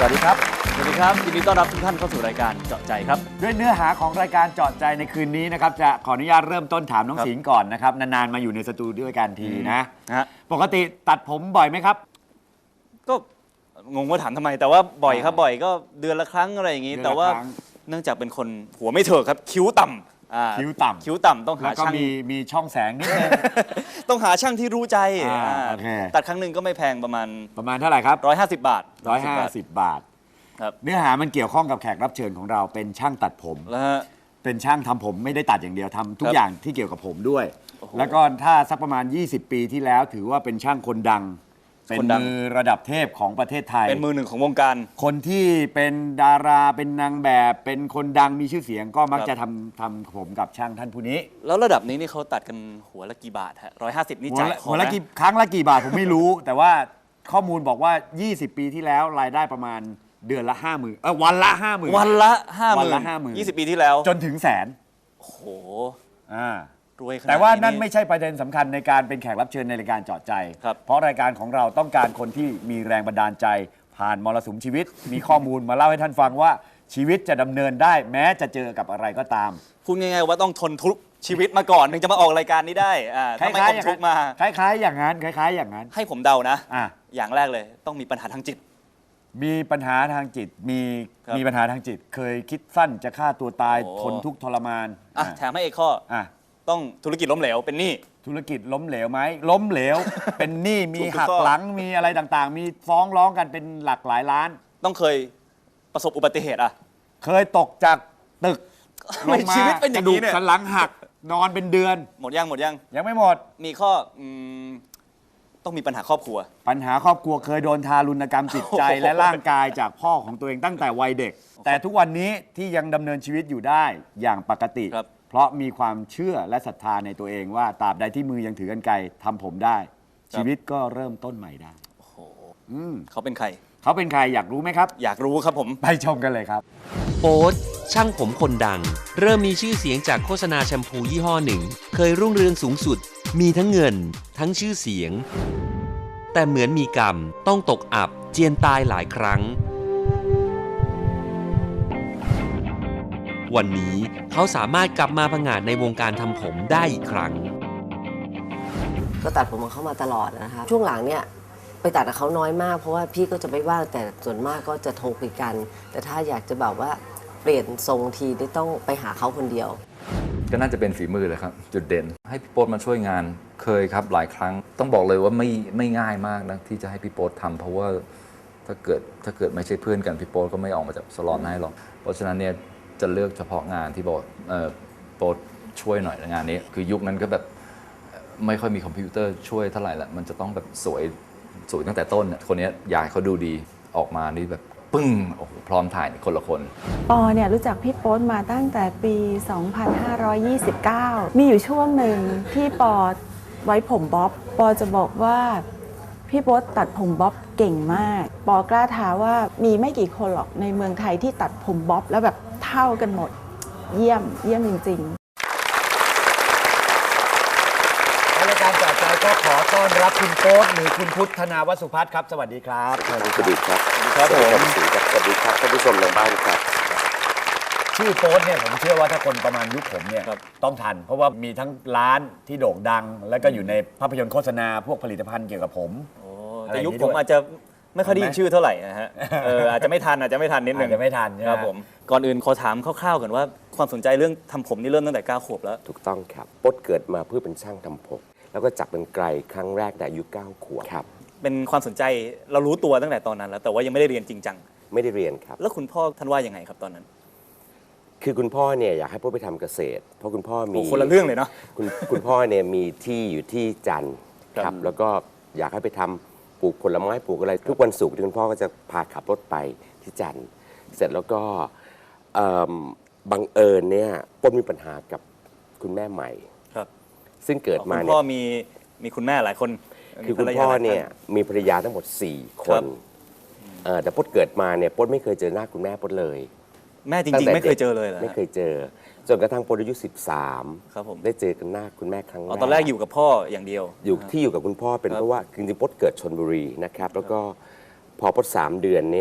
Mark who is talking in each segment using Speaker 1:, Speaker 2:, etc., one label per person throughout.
Speaker 1: วัสดีครับ
Speaker 2: สวัสดีครับยินดีต้อนรับทุกท่านเข้าสู่รายการเจาะใจครับ
Speaker 1: ด้วยเนื้อหาของรายการเจาะใจในคืนนี้นะครับจะขออนุญาตเริ่มต้นถามน้องสิงห์ก่อนนะครับนานๆมาอยู่ในสตูด้วยกันทีนะปกติตัดผมบ่อยไหมครับ
Speaker 2: ก็งงว่าถามทำไมแต่ว่าบ่อยครับบ่อยก็เดือนละครั้งอะไรอย่างนี้แต่ว่าเนื่องจากเป็นคนหัวไม่เถิกครับคิ้วต่ำ
Speaker 1: คิ้วต่ำ
Speaker 2: ต้องหา
Speaker 1: แล้วก็
Speaker 2: ช่าง
Speaker 1: มีช่องแสงนิดนึง
Speaker 2: ต้องหาช่างที่รู้ใจตัดครั้งหนึ่งก็ไม่แพงประมาณ
Speaker 1: เท่าไหร่ครับ
Speaker 2: 150 บาท
Speaker 1: 150 บาทเนื้อหามันเกี่ยวข้องกับแขกรับเชิญของเราเป็นช่างตัดผมเป็นช่างทำผมไม่ได้ตัดอย่างเดียวทำทุกอย่างที่เกี่ยวกับผมด้วยแล้วก็ถ้าสักประมาณ20 ปีที่แล้วถือว่าเป็นช่างคนดังเป็นมือระดับเทพของประเทศไทย
Speaker 2: เป็นมือหนึ่งของวงการ
Speaker 1: คนที่เป็นดาราเป็นนางแบบเป็นคนดังมีชื่อเสียงก็มักจะทำผมกับช่างท่านผู้นี้
Speaker 2: แล้วระดับนี้นี่เขาตัดกันหัวละกี่บาทฮะ150นี่จ่าย
Speaker 1: หัวละกี่ครั้งละกี่บาทผมไม่รู้แต่ว่าข้อมูลบอกว่า20 ปีที่แล้วรายได้ประมาณเดือนละ 50,000วันละ 50,000
Speaker 2: วันละ 50,000 20 ปีที่แล้ว
Speaker 1: จนถึงแสน
Speaker 2: โอ้โห
Speaker 1: รวยขนาดนี้แต่ว่านั่นไม่ใช่ประเด็นสำคัญในการเป็นแขกรับเชิญในรายการเจาะใจเพราะรายการของเราต้องการคนที่มีแรงบันดาลใจผ่านมรสุมชีวิตมีข้อมูลมาเล่าให้ท่านฟังว่าชีวิตจะดำเนินได้แม้จะเจอกับอะไรก็ตาม
Speaker 2: พูดง่ายๆว่าต้องทนทุกข์ชีวิตมาก่อนถึงจะมาออกรายการนี้ได้
Speaker 1: ถ้าไม่ทนทุกข์มาคล้ายๆอย่างนั้น
Speaker 2: ให้ผมเดานะอย่างแรกเลยต้องมีปัญหาทางจิต
Speaker 1: มีปัญหาทางจิตมีปัญหาทางจิตเคยคิดสั้นจะฆ่าตัวตายทนทุกข์ทรมาน
Speaker 2: แถมให้อีกข้อต้องธุรกิจล้มเหลวเป็นหนี้
Speaker 1: ธุรกิจล้มเหลวไหมล้มเหลว เป็นหนี้มีหักหลังมีอะไรต่างๆมีฟ้องร้องกันเป็นหลักหลายล้าน
Speaker 2: ต้องเคยประสบอุบัติเหตุ
Speaker 1: เคยตกจากตึก
Speaker 2: ลงมาชีวิตเป็นอย่างนี้
Speaker 1: เนี่ยกระดูกสันหลังหักนอนเป็นเดือน
Speaker 2: หมดยัง
Speaker 1: ยังไม่หมด
Speaker 2: มีข้อต้องมีปัญหาครอบครัว
Speaker 1: เคยโดนทารุณกรรมจิตใจและร่างกายจากพ่อของตัวเองตั้งแต่วัยเด็กแต่ทุกวันนี้ที่ยังดำเนินชีวิตอยู่ได้อย่างปกติเพราะมีความเชื่อและศรัทธาในตัวเองว่าตราบใดที่มือยังถือกรรไกรทำผมได้ชีวิตก็เริ่มต้นใหม่ได้
Speaker 2: โอ้โหเขาเป็นใคร
Speaker 1: อยากรู้ไหมครับ
Speaker 2: อยากรู้ครับผม
Speaker 1: ไปชมกันเลยครับ
Speaker 3: โป๊ตช่างผมคนดังเริ่มมีชื่อเสียงจากโฆษณาแชมพูยี่ห้อหนึ่งเคยรุ่งเรืองสูงสุดมีทั้งเงินทั้งชื่อเสียงแต่เหมือนมีกรรมต้องตกอับเจียนตายหลายครั้งวันนี้เขาสามารถกลับมาผงาดในวงการทำผมได้อีกครั้ง
Speaker 4: ก็ตัดผมของเขามาตลอดนะคะช่วงหลังเนี่ยไปตัดกับเขาน้อยมากเพราะว่าพี่ก็จะไม่ว่างแต่ส่วนมากก็จะโทรคุยกันแต่ถ้าอยากจะแบบว่าเปลี่ยนทรงทีนี่ต้องไปหาเขาคนเดียว
Speaker 5: ก็น่าจะเป็นฝีมือเลยครับจุดเด่นให้พี่โป๊ตมาช่วยงานเคยครับหลายครั้งต้องบอกเลยว่าไม่ง่ายมากนะที่จะให้พี่โป๊ตทำเพราะว่าถ้าเกิดไม่ใช่เพื่อนกันพี่โป๊ตก็ไม่ออกมาจากสลอนให้หรอกเพราะฉะนั้นเนี่ยจะเลือกเฉพาะงานที่บอกโป๊ตช่วยหน่อยในงานนี้คือยุคนั้นก็แบบไม่ค่อยมีคอมพิวเตอร์ช่วยเท่าไหร่ละมันจะต้องแบบสวยตั้งแต่ต้นคนนี้อยากให้เขาดูดีออกมานี่แบบปึ้งโอ้โหพร้อมถ่ายคนละคน
Speaker 6: ปอเนี่ยรู้จักพี่โป๊ตมาตั้งแต่ปี 2529 มีอยู่ช่วงหนึ่งที่ปอไว้ผมบ๊อบปอจะบอกว่าพี่โป๊ตตัดผมบ๊อบเก่งมากปอกล้าท้าว่ามีไม่กี่คนหรอกในเมืองไทยที่ตัดผมบ๊อบแล้วแบบเท่ากันหมดเยี่ยมจริงๆ
Speaker 1: รายการเจาะใจก็ขอต้อนรับคุณโป๊ตหรือคุณพุทธนาวสุพัฒน์ครับสวัสดีครับ
Speaker 7: สวัสดีครับสวัสดีครับสวัสดีครับท่านผู้ชมทางบ้านครับ
Speaker 1: ชื่อโป๊ตเนี่ยผมเชื่อว่าถ้าคนประมาณยุคผมเนี่ยต้องทันเพราะว่ามีทั้งร้านที่โด่งดังแล้วก็อยู่ในภาพยนตร์โฆษณาพวกผลิตภัณฑ์เกี่ยวกับผม
Speaker 2: แต่ยุคผมอาจจะไม่ค่อยได้ยินชื่อเท่าไหร่นะฮะอาจจะไม่ทันนิดนึง
Speaker 1: จะไม่ทัน
Speaker 2: ครับผมก่อนอื่นขอถามคร่าวๆก่อนว่าความสนใจเรื่องทำผมนี่เริ่มตั้งแต่9 ขวบแล้ว
Speaker 7: ถูกต้องครับโป๊ตเกิดมาเพื่อเป็นช่างทำผมแล้วก็จับเป็นไกลครั้งแรกในอายุ9 ขวบครับ
Speaker 2: เป็นความสนใจเรารู้ตัวตั้งแต่ตอนนั้นแล้วแต่ว่ายังไม่ได้เรียนจริงจัง
Speaker 7: ไม่ได้เรียนครับ
Speaker 2: แล้วคุณพ่อท่านว่ายังไงครับตอนนั้น
Speaker 7: คือคุณพ่อเนี่ยอยากให้โป๊ตไปทำเกษตรเพราะคุณพ่อมี
Speaker 2: คนละเรื่องเลยเนาะ
Speaker 7: คุณพ่อเนี่ยมีที่อยู่ที่จันทร์ครับแล้วก็อยากให้ไปทำปลูกผลไม้ปลูกอะไรทุกวันศุกร์ที่คุณพ่อก็จะพาขับรถไปที่จันทร์เสร็จแล้วก็บังเอิญเนี่ยโป๊ตมีปัญหากับคุณแม่ใหม่ซึ่งเกิดมาเนี่ย
Speaker 2: คุณพ่อมีคุณแม่หลายคน
Speaker 7: คือคุณพ่อเนี่ยมีภรรยาทั้งหมด4 คนแต่โป๊ตเกิดมาเนี่ยโป๊ตไม่เคยเจอหน้าคุณแม่โป๊ตเลย
Speaker 2: แม่จริงๆไม่เคยเจอเลยเหรอ
Speaker 7: ไม่เคยเจอจนกระทั่งโป๊ตอายุ13
Speaker 2: ครับผม
Speaker 7: ได้เจอกันหน้าคุณแม่ครั้งแรก
Speaker 2: ตอนแรกอยู่กับพ่ออย่างเดียว
Speaker 7: อยู่กับคุณพ่อเป็นเพราะว่าจริงๆโป๊ตเกิดชลบุรีนะครับแล้วก็พอโป๊ต3 เดือนเนี่ย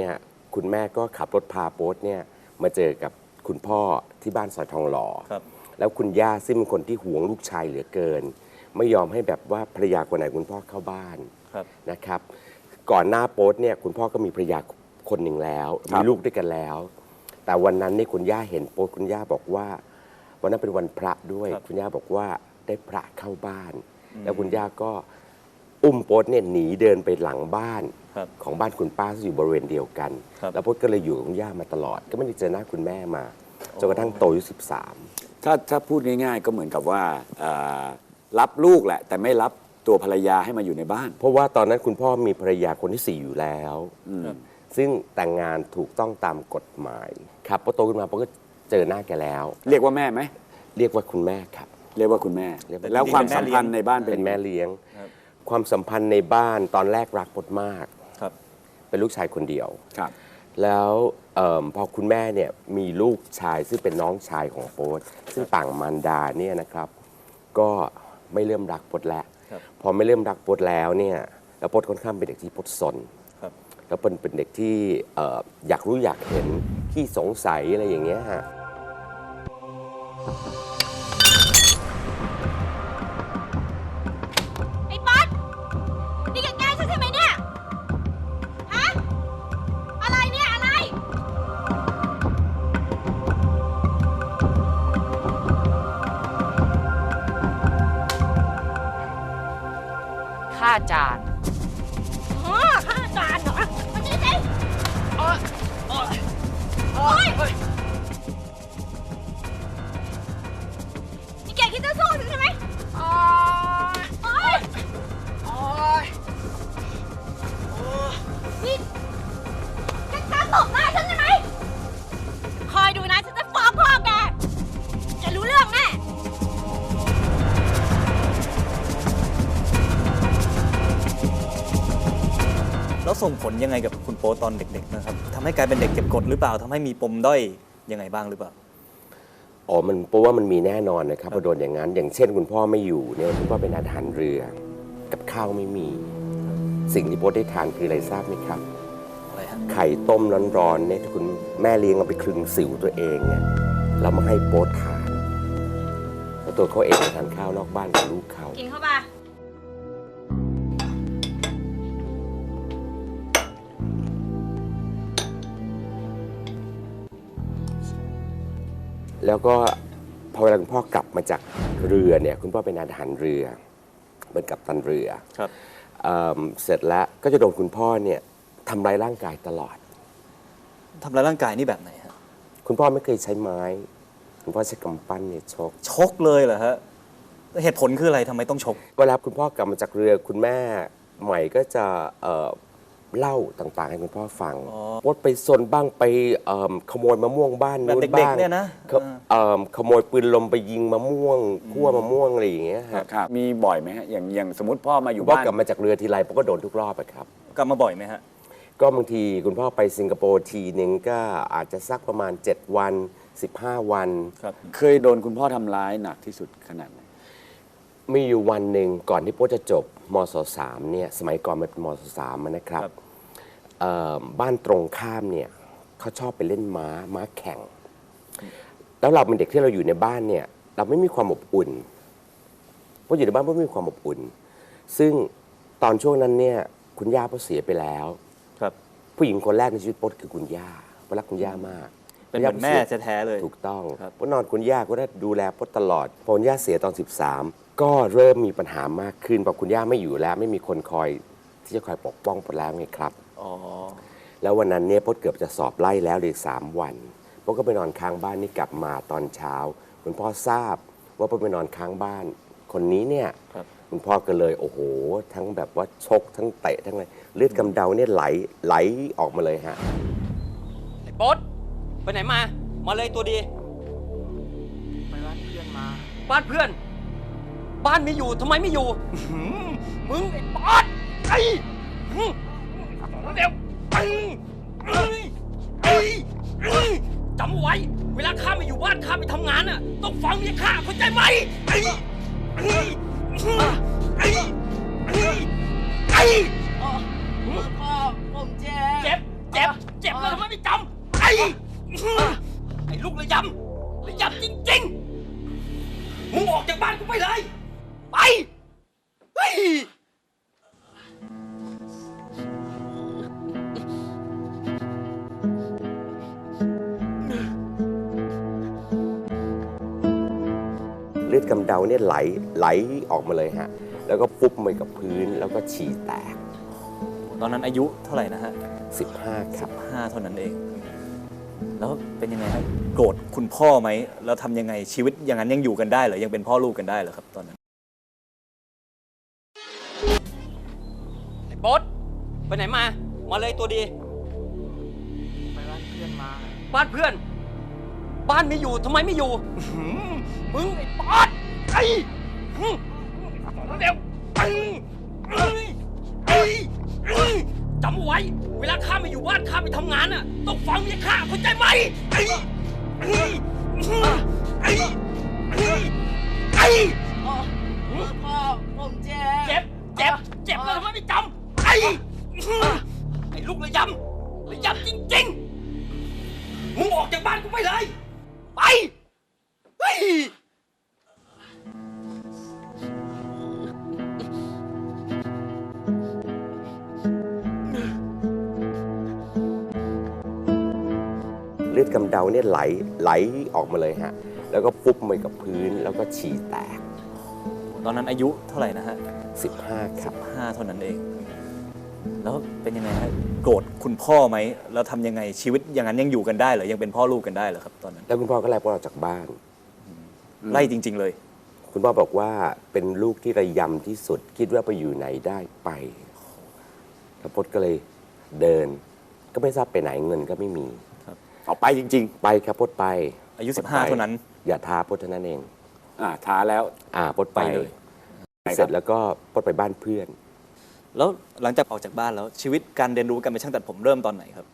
Speaker 7: คุณแม่ก็ขับรถพาโป๊ตเนี่ยมาเจอกับคุณพ่อที่บ้านซอยทองหล่อ
Speaker 2: ครับ
Speaker 7: แล้วคุณย่าซึ่งเป็นคนที่หวงลูกชายเหลือเกิน ไม่ยอมให้แบบว่าภรรยาคนไหนคุณพ่อเข้าบ้าน
Speaker 2: ครับ
Speaker 7: นะครับ ก่อนหน้าโป๊ตเนี่ยคุณพ่อก็มีภรรยาคนหนึ่งแล้ว มีลูกด้วยกันแล้ว แต่วันนั้นนี่คุณย่าเห็นโป๊ตคุณย่าบอกว่าวันนั้นเป็นวันพระด้วย
Speaker 2: ครับ
Speaker 7: คุณย่าบอกว่าได้พระเข้าบ้าน แล้วคุณย่าก็อุ้มโป๊ตเนี่ยหนีเดินไปหลังบ้าน
Speaker 2: ครับ
Speaker 7: ของบ้านคุณป้าที่อยู่บริเวณเดียวกัน
Speaker 2: ครับ
Speaker 7: แล้วโป๊ตก็เลยอยู่กับคุณย่ามาตลอด ก็ไม่ได้เจอหน้าคุณแม่มาจนกระทั่งโตอายุ13
Speaker 1: ถ้าพูดง่ายๆ ก็เหมือนกับว่ารับลูกแหละ แต่ไม่รับตัวภรรยาให้มาอยู่ในบ้าน
Speaker 7: เพราะว่าตอนนั้นคุณพ่อมีภรรยาคนที่ 4 อยู่แล้ว ซึ่งแต่งงานถูกต้องตามกฎหมายครับพอโตขึ้นมาโป๊ตก็เจอหน้าแกแล้ว
Speaker 1: เรียกว่าแม่ไหม
Speaker 7: เรียกว่าคุณแม่ครับ
Speaker 1: เรียกว่าคุณแม่
Speaker 7: เรียกว่า
Speaker 1: แล้วความสัมพันธ์ในบ้านเป็
Speaker 7: เป็น นแม่เลี้ยง
Speaker 2: ครับ
Speaker 7: ความสัมพันธ์ในบ้านตอนแรกรักโป๊ตมาก
Speaker 2: ครับ
Speaker 7: เป็นลูกชายคนเดียว
Speaker 1: ครับ
Speaker 7: แล้วพอคุณแม่เนี่ยมีลูกชายซึ่งเป็นน้องชายของโป๊ตซึ่งต่างมารดาเนี่ยนะครับ ก็ไม่เริ่มรักโป๊ตแล้ว
Speaker 2: ครับ
Speaker 7: พอไม่เริ่มรักโป๊ตแล้วเนี่ยแล้วโป๊ตค่อนข้างเป็นเด็กที่โป๊ตซน
Speaker 2: ครับ
Speaker 7: แล้วเป็นเด็กที่อยากรู้อยากเห็นที่สงสัยอะไรอย่างเงี้ยฮะ
Speaker 8: ไอ้ป๊อตนี่แกแกล้งฉันใช่ไหมเนี่ย ฮะ อะไรเนี่ย อะไร
Speaker 9: ค่าจาน
Speaker 8: อ๋อข้าจานเหรอมานี่สิโอ๊ยนี่แกคิดจะสู้ฉันใช่ไหมโอ๊ยนี่แกจะตบหน้าฉันใช่ไหม คอยดูนะ ฉันจะฟ้องพ่อแก แกรู้เรื่องแน่
Speaker 2: แล้วส่งผลยังไงกับคุณโป๊ตตอนเด็กๆนะครับทำให้กลายเป็นเด็กเก็บกดหรือเปล่าทำให้มีปมด้อยยังไงบ้างหรือเปล่า
Speaker 7: อ๋อมันเพราะว่ามันมีแน่นอนนะครับพอโดนอย่างนั้น อย่างเช่นคุณพ่อไม่อยู่เนี่ยคุณพ่อเป็นอาหารเรือ กับข้าวไม่มี สิ่งที่โป๊ตได้ทานคืออะไรทราบไหมครับ
Speaker 2: อะไรฮะ
Speaker 7: ไข่ต้มร้อนๆเนี่ยที่คุณแม่เลี้ยงเอาไปคลึงสิวตัวเองเนี่ยแล้วมาให้โป๊ตทานแล้วตัวเขาเองไปทานข้าวนอกบ้านกับลูกเขา
Speaker 8: กินเข้าไป
Speaker 7: แล้วก็พอเวลาคุณพ่อกลับมาจากเรือเนี่ยคุณพ่อเป็นอาหารเรือเป็นกัปตันเรือ
Speaker 2: ครับ
Speaker 7: เสร็จแล้วก็จะโดนคุณพ่อเนี่ยทำร้ายร่างกายตลอด
Speaker 2: ทำร้ายร่างกายนี่แบบไหนฮะ
Speaker 7: คุณพ่อไม่เคยใช้ไม้ คุณพ่อใช้กำปั้นเนี่ยชก
Speaker 2: ชกเลยเหรอฮะเหตุผลคืออะไรทำไมต้องชก
Speaker 7: เวลาคุณพ่อกลับมาจากเรือคุณแม่ใหม่ก็จะเล่าต่างๆให้คุณพ่อฟัง
Speaker 2: อ๋อ
Speaker 7: ว่าไปซนบ้างไปขโมยมะม่วงบ้าน
Speaker 2: แบบ
Speaker 7: นู้น
Speaker 2: เด็ก
Speaker 7: บ้าง
Speaker 2: ๆเนี่ยนะ
Speaker 7: ขโมยปืนลมไปยิงมะม่วงคั่วมะม่วงอะไรอย่างเงี้ยฮะ
Speaker 1: ครับ มีบ่อยไหมฮะ อย่างสมมติพ่อมาอยู่
Speaker 7: พ่อ
Speaker 1: บ้าน
Speaker 7: กลับมาจากเรือทีไรพ่อก็โดนทุกรอบอะครับ
Speaker 2: กลับมาบ่อยไหมฮะ
Speaker 7: ก็บางทีคุณพ่อไปสิงคโปร์ทีนึงก็อาจจะสักประมาณ 7 วัน 15 วัน
Speaker 2: ครับ
Speaker 1: เคยโดนคุณพ่อทำร้ายหนักที่สุดขนาดไหน
Speaker 7: มีอยู่วันหนึ่งก่อนที่โป๊จะจบมศ3เนี่ยสมัยก่อนมันเป็นมศ3นะครับ
Speaker 2: ครับ
Speaker 7: บ้านตรงข้ามเนี่ยเขาชอบไปเล่นม้าแข่ง แล้วเราเป็นเด็กที่เราอยู่ในบ้านเนี่ยเราไม่มีความอบอุ่นเพราะอยู่ในบ้านไม่มีความอบอุ่น ซึ่งตอนช่วงนั้นเนี่ยคุณย่าพ่อเสียไปแล้ว
Speaker 2: ครับ
Speaker 7: ผู้หญิงคนแรกในชีวิตโป๊คือคุณย่าโป๊รักคุณย่ามาก
Speaker 2: เป็นเหมือนแม่แท้ๆเลย
Speaker 7: ถูกต้อง
Speaker 2: ครับ
Speaker 7: โป๊นอนคุณย่าก็ได้ดูแลโป๊ตลอดพอคุณย่าเสียตอน 13 ก็เริ่มมีปัญหามากขึ้นพอคุณย่าไม่อยู่แล้วไม่มีคนคอยที่จะคอยปกป้องโป๊แล้วไงครับ
Speaker 2: อ๋อ
Speaker 7: แล้ววันนั้นเนี่ยโป๊เกือบจะสอบไล่แล้วเหลือ3 วันโป๊ก็ไปนอนค้างบ้านนี่กลับมาตอนเช้าคุณพ่อทราบว่าโป๊ไปนอนค้างบ้าน คนนี้เนี่ย
Speaker 2: ครับ
Speaker 7: คุณพ่อก็เลยโอ้โห ทั้งแบบว่าชกทั้งเตะทั้งอะไรเลือดกำเดาเนี่ยไหลออกมาเลยฮะ
Speaker 9: ไอ้โป๊ตไปไหนมา มาเลยตัวดี
Speaker 10: ไปบ้านเพื่อนมา
Speaker 9: บ้านเพื่อน บ้านไม่อยู่ทำไมไม่อยู่มึงไอ้ป๊อตไอ้เดี๋ยวจำไว้ เวลาข้าไม่อยู่บ้านข้าไปทำงานน่ะต้องฟังเมียข้าเข้าใจไหมพ่อผมเจ็บเจ็บแล้วทำไมไม่จำไอ้ลูกระยำจริงๆ มึงออกจากบ้านกูไปเลย ไปเฮ้ย
Speaker 7: เลือดกำเดาเนี่ยไหลออกมาเลยฮะ แล้วก็ฟุบไปกับพื้นแล้วก็ฉี่แตก
Speaker 2: ตอนนั้นอายุเท่าไหร่นะฮะ
Speaker 7: 15 ครับ
Speaker 2: 5 เท่านั้นเอง แล้วเป็นยังไงครับโกรธคุณพ่อไหมแล้วทำยังไงชีวิตอย่างนั้นยังอยู่กันได้เหรอยังเป็นพ่อลูกกันได้เหรอครับตอนนั้น
Speaker 9: ไอ้โบ๊ทไปไหนมา มาเลยตัวดี
Speaker 10: ไปบ้านเพื่อนมา
Speaker 9: บ้านเพื่อน บ้านไม่อยู่ทำไมไม่อยู่มึงไอ้ปอดไอ้เร็วจำเอาไว้ เวลาข้าไม่อยู่บ้านข้าไปทำงานน่ะต้องฟังเมียข้าเข้าใจไหม
Speaker 4: พ่อผมเจ็บ
Speaker 9: เจ็บแล้วทำไมไม่จำไอ้ลูกระยำจริงๆ มึงออกจากบ้านกูไปเลย ไปเฮ้ย
Speaker 7: เลือดกำเดาเนี่ยไหลออกมาเลยฮะ แล้วก็ฟุบไปกับพื้นแล้วก็ฉี่แตก
Speaker 2: ตอนนั้นอายุเท่าไหร่นะฮะ
Speaker 7: 15 ครับ
Speaker 2: 5 เท่านั้นเอง แล้วเป็นยังไงฮะโกรธคุณพ่อไหมแล้วทำยังไงชีวิตอย่างนั้นยังอยู่กันได้เหรอยังเป็นพ่อลูกกันได้เหรอครับตอนนั้น
Speaker 7: แล้วคุณพ่อก็ไล่พวกเราจากบ้าน
Speaker 2: ไล่จริง ๆ เลย
Speaker 7: คุณพ่อบอกว่าเป็นลูกที่ระยำที่สุด คิดว่าไปอยู่ไหนได้ไปแล้วพจน์ก็เลยเดิน ก็ไม่ทราบไปไหนเงินก็ไม่มี
Speaker 1: เอาไปจริง
Speaker 7: ไปครับพจน์ไป
Speaker 2: อายุ
Speaker 7: พจน์ไป
Speaker 2: 15 เท่านั้น
Speaker 7: อย่าท้าพจน์เท่านั้นเอง
Speaker 1: ๆท้าแล้ว
Speaker 7: พจน์ไป
Speaker 2: ไปเลย
Speaker 7: เสร็จแล้วก็พจน์ไปบ้านเพื่อน
Speaker 2: แล้วหลังจากออกจากบ้านแล้วชีวิตการเรียนรู้การเป็นช่างตัดผมเริ่มตอนไหนครับ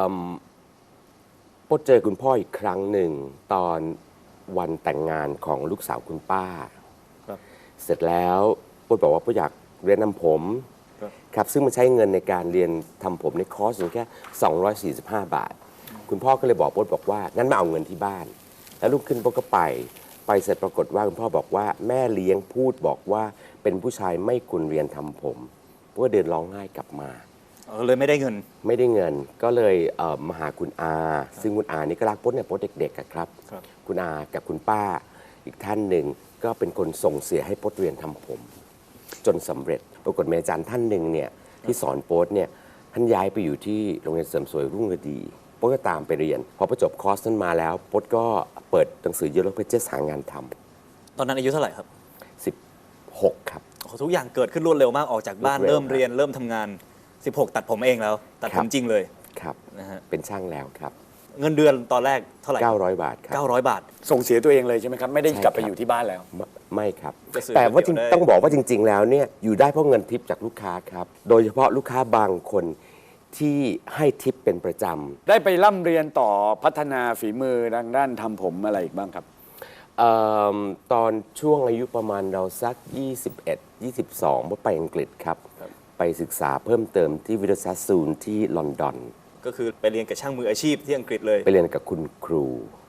Speaker 7: พจน์เจอคุณพ่ออีกครั้งหนึ่งตอนวันแต่งงานของลูกสาวคุณป้า
Speaker 2: ครับ
Speaker 7: เสร็จแล้วพจน์บอกว่าพจน์อยากเรียนทำผม
Speaker 2: ครับ
Speaker 7: ครับซึ่งมันใช้เงินในการเรียนทำผมในคอร์สเพียงแค่245 บาท คุณพ่อก็เลยบอกพจน์บอกว่างั้นมาเอาเงินที่บ้าน แล้วลุกขึ้นพจน์ก็ไปเสร็จปรากฏว่าคุณพ่อบอกว่าแม่เลี้ยงพูดบอกว่าเป็นผู้ชายไม่ควรเรียนทำผมเพราะว่าเดินร้องไห้กลับมา
Speaker 2: เลยไม่ได้เงิน
Speaker 7: ไม่ได้เงินก็เลยมาหาคุณอา ซึ่งคุณอานี่ก็รักพจน์เนี่ยพจน์เด็กๆอะครับ
Speaker 2: ครับ
Speaker 7: คุณอากับคุณป้าอีกท่านหนึ่งก็เป็นคนส่งเสียให้พจน์เรียนทำผม จนสำเร็จปรากฏมีอาจารย์ท่านหนึ่งเนี่ยที่สอนพจน์เนี่ยท่านย้ายไปอยู่ที่โรงเรียนเสริมสวยรุ่งฤดีพจน์ก็ตามไปเรียนพอประจบคอร์สนั้นมาแล้วพจน์ก็เปิดหนังสือ Yellow Pages หางานท
Speaker 2: ตอนนั้นอายุเท่าไหร่ครับ
Speaker 7: ำ16 ครับ
Speaker 2: โอ้โหทุกอย่างเกิดขึ้นรวดเร็วมากออกจากบ้าน
Speaker 7: รวดเร็ว
Speaker 2: เริ่มเรียนเริ่มทำงาน 16 ตัดผมเองแล้ว ตัด
Speaker 7: ครั
Speaker 2: ผ
Speaker 7: บ
Speaker 2: มจริงเลย
Speaker 7: ครับ
Speaker 2: นะฮะ
Speaker 7: เป็นช่างแล้วครับ
Speaker 2: เงินเดือนตอนแรกเท่าไหร่
Speaker 7: 900 บาทครับ
Speaker 2: 900 บาท
Speaker 1: ส่งเสียตัวเองเลยใช่ไหมครับ ไม่ได้
Speaker 7: ใช่
Speaker 1: กลับไป
Speaker 7: ครับ
Speaker 1: อยู่ที่บ้านแล้ว
Speaker 7: ไม่ครับ
Speaker 2: จะซื้อ
Speaker 7: แต่ว่า
Speaker 2: ก๋วยเตี๋ยวได้
Speaker 7: ต้องบอกว่าจริง ๆ แล้วเนี่ยอยู่ได้เพราะเงินทิปจากลูกค้าครับ โดยเฉพาะลูกค้าบางคนที่ให้ทิปเป็นประจ
Speaker 1: ได้ไปร่ำเรียนต่อพัฒนาฝีมือทางด้านทำผมอะไรอีกบ้างครับ
Speaker 7: ำตอนช่วงอายุประมาณเราสัก 21 22ว่าไปอังกฤษครับ ไปศึกษาเพิ่มเติมที่วิทยาศาสตร์ซูนที่ลอนดอน
Speaker 2: ก็คือไปเรียนกับช่างมืออาชีพที่อังกฤษเลย
Speaker 7: ไปเรียนกับคุณครู